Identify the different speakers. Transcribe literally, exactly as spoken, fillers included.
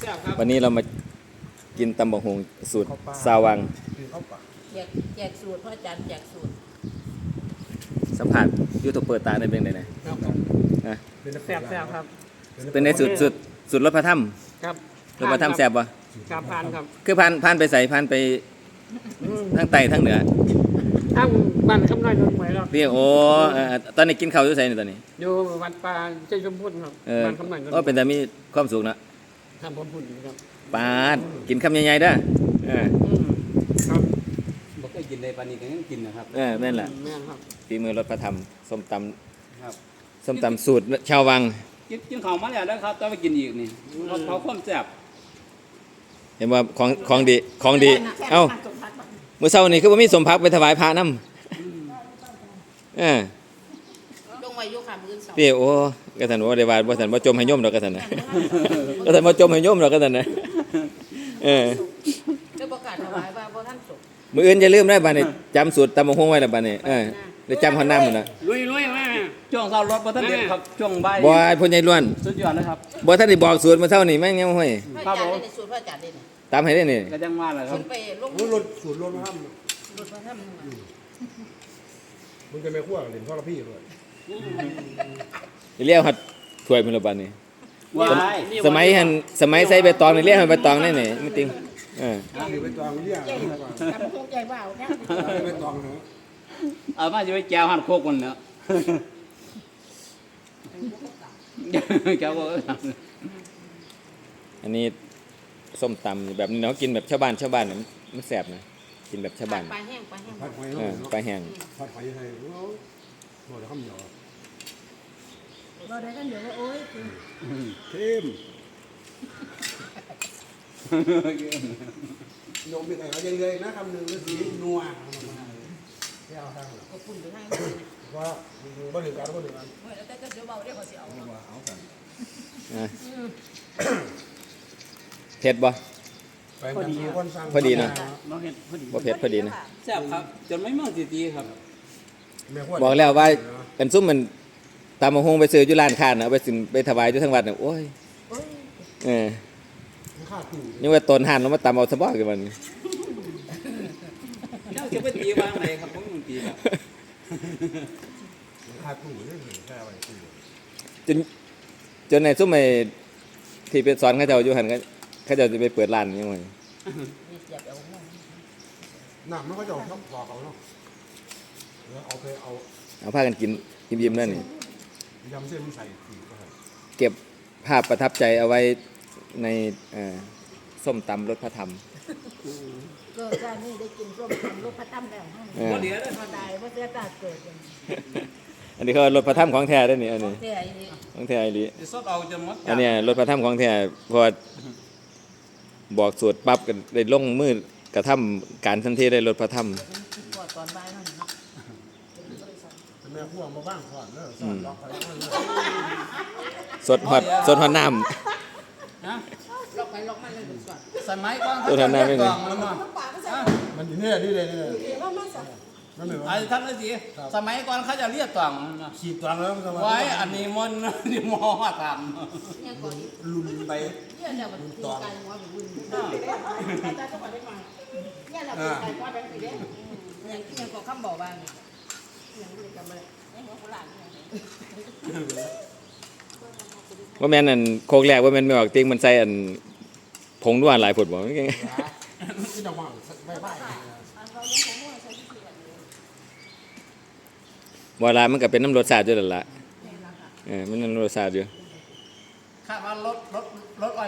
Speaker 1: ซ่บครับ
Speaker 2: วันนี้เรามากินตำบักหุ่งสูตรซาวัง
Speaker 3: แจกแจกสูตรพ่ออาจารย์แจกสูตร
Speaker 2: สัมผัสยูทูบเปิดตาในเป็นไงนะนะ
Speaker 1: แซ่บแซ่บครับ
Speaker 2: เป็นในสุดสุดสุดรถพระถ้ำ
Speaker 1: ครับ
Speaker 2: รถพระถ้ำแซ่บปะ
Speaker 1: ครับผ่านครับ
Speaker 2: คือผ่านผ่านไปใส่ผ่านไปทั้งใต้ทั้งเหนือ
Speaker 1: ทั้งบ้านคำน้อยนนท์หวยครับ
Speaker 2: พี่โอ้ตอนนี้กินข้าวอยู่ไสนี่ตอนนี้
Speaker 1: อยู่วัดป่าเจ้าชมพูครับบ้านคำน้อยนนท์
Speaker 2: โอ้เป็นแต่มีความสุขนะ
Speaker 1: ทำผมพูดครับ
Speaker 2: ปาดกินคำใหญ่ๆเด้อเออ
Speaker 1: ครับ
Speaker 4: บ่เคยกินในปานนี้ก็ยังกินนะครับ
Speaker 2: เออแม่นแหละ
Speaker 1: แม่นครับ
Speaker 2: ฝีมือรถพระถ้ำส้มตำ
Speaker 4: ครับ
Speaker 2: ส้มตำสูตรชาววัง
Speaker 4: กินกินข้าวมาแล้วนะครับต้องไปกินอีกนี่เขาเขาความแซ่บ
Speaker 2: เห็นว่าของของดีของดีเอ้ามื้อเช้านี่คือบ่มีสมภักไปถวายพระนำเออ
Speaker 3: ลงไว้อยู่ค่ะมื้อเช้า
Speaker 2: พี่โอ้กะซั่นว่าได้ว่าบ่ซั่นบ่จมให้โยมดอกกะซั่นน่ะกะซั่นบ่จมให้โยมดอกกะซั่นน่ะเออ
Speaker 3: ได้ประกาศถวายว่าบ่ทันจบ
Speaker 2: มื้ออื่นอย่าลืมนะบัดนี้จำสูตรตำบักหุ่งไว้แล้วบัดนี้เออได้จำฮอดนำพุ่นน่ะ
Speaker 1: ลุยๆมา
Speaker 4: ช่วงเช้ารถบ่ทันเด็ดครับช่วงบ่าย
Speaker 2: บ่พ่อใหญ่ล้วน
Speaker 4: สุดยอดเลยครับ
Speaker 2: บ่ทันได้บอกสูตรมื้อเช้านี่แม่งยังห้อย
Speaker 3: พ่ออาจารย์ได้สูตรพ่ออาจารย์ได้นี่
Speaker 2: ตามให้ได้นี่
Speaker 4: ก็จังว่าแหละครับ
Speaker 3: ไปลง
Speaker 5: รถสูตรรถมาทำ
Speaker 3: รถมาทำ
Speaker 5: มึงจะไม่คั่วกันเล่นพ่อละพี่ด้วย
Speaker 2: เรียกฮอดถ้วยพุ่นละบัดนี้
Speaker 4: ว้าย
Speaker 2: สมัยหันสมัยใส่ใบตองนี่เรียกให้ใบตองได้นี่ไม่ติงเออ
Speaker 5: อยู่ไปตองเรียก
Speaker 3: ทำทุกใจว่าเนี่ย
Speaker 5: ไปตองเนาะ
Speaker 4: เอามาจะไปแจวหั่นโคกมันเนาะแจวบ่
Speaker 2: อันนี้ส้มตำแบบนี้เนาะกินแบบชาวบ้านชาวบ้านเนี่ยมันแซ่บนะกินแบบชาวบ้าน
Speaker 3: ปลาแห้งปลาแห้ง
Speaker 5: ผัดหอย
Speaker 2: เออปลาแห้ง
Speaker 5: ผัดหอยให้โอ้โหเดี๋ยวข้ามเหนียว
Speaker 3: เราได้กันเดี๋ยวโอ้ย
Speaker 5: เข้มโยมมีไก่เอาเยอะๆนะคำหนึ่งแล้วสีนัวไม่เอาทางหรอก
Speaker 3: ก็ปุ่นไปให้
Speaker 5: ว่าบ่ถึงการบ่ถึงการ
Speaker 3: แต่ก็เดี๋ยวเบาเดี๋ยวเขาจะเอา
Speaker 5: เอากัน
Speaker 2: เผ็ดบ่
Speaker 5: พอดี
Speaker 2: พอดีนะ
Speaker 4: บ่เฮ็ดพอดี
Speaker 2: บ่เผ็ดพอดีนะ
Speaker 4: แซ่บครับจนไม่มองสิตีครับ
Speaker 2: บอกแล้วว่าเป็นซุ่มมันตำบักหุ่งไปซื้ออยู่ร้านค้าน่ะเอาไปสิไปถวายอยู่ทั้งวัดน่ะโอ้ยเออนี่ว่าตนห่านแล้วมาตำเอาซะบ่คือมัน
Speaker 4: เจ้าสิไปตีวางไหนครับผมตีครับ
Speaker 5: ค่าตู้นี่แค่ไว้ตู้
Speaker 2: จนจนในซุ่มไอ้ที่ไปสอนเขาเจ้าอยู่หั่นก็เขาเจ้าสิไปเปิดร้านยังไง
Speaker 5: น้ำมันก็จะชอบบอกเขาเนาะเอาไปเอา
Speaker 2: เอาพากันกินยิ้มๆนั่นนี่
Speaker 5: ยำเส้นมันใส่
Speaker 2: เก็บภาพประทับใจเอาไว้ในส้มตำรสพระธรรม
Speaker 3: เกิดการนี้ได้กินส้มตำรสพระธรรมแล้ว
Speaker 4: บ่เหลือเลย
Speaker 3: พอได้บ่เสียตาเกิด
Speaker 2: อันนี้เขารสพระธรรมของแท้ได้นี่อันนี้ของแท้อีหลี
Speaker 4: สดเอาจนหมด
Speaker 2: อันนี้รสพระธรรมของแท้พอบอกสูตรปั๊บก็ได้ลงมือกระทำการทันทีได้รสพระธรรม
Speaker 3: ตอนบ่ายนั่นเนาะ
Speaker 5: แม่พ่วงมาบ้างก่อนเด้อสอนล็อกไป
Speaker 2: สดฮอดสดฮอดน้ำ
Speaker 4: ฮะ
Speaker 3: ล็อกไปล็อกมันเลยสอน
Speaker 4: สมัยก่อนเขาจะเรียกกล่องมัน
Speaker 5: มันอยู่นี่นี่เลยนี่เลย
Speaker 4: ไอ้ท่านนั่นสิสมัยก่อนเขาจะเรียกกล่อง
Speaker 5: ขีดกล่องแล้ว
Speaker 4: ไว้อันนี้มันนี่มอท
Speaker 5: ำลุนไป
Speaker 3: เนี่ยเนี่ยมันตีกันว่าเป็นลุนแต่ต้องมาได้มาเนี่ยเราตีกันว่าเป็นสีแดงอย่างที่ยังก็คำบอกว่าอย่างนี้จำเลยไอ้หัวโบราณ
Speaker 2: ว่าแม่นอันโคกแรกว่าแม่นไม่ออกติงมันใส่อันผงด้วนหลายผุดบ่
Speaker 5: ที่ดอกไม้ใบใบ
Speaker 2: บ่ล่ะมันก็เป็นน้ำรสชาติอยู่นั่นล่ะเออมันน้ำรสชาติอยู่
Speaker 4: คาดว่ารถรถรถ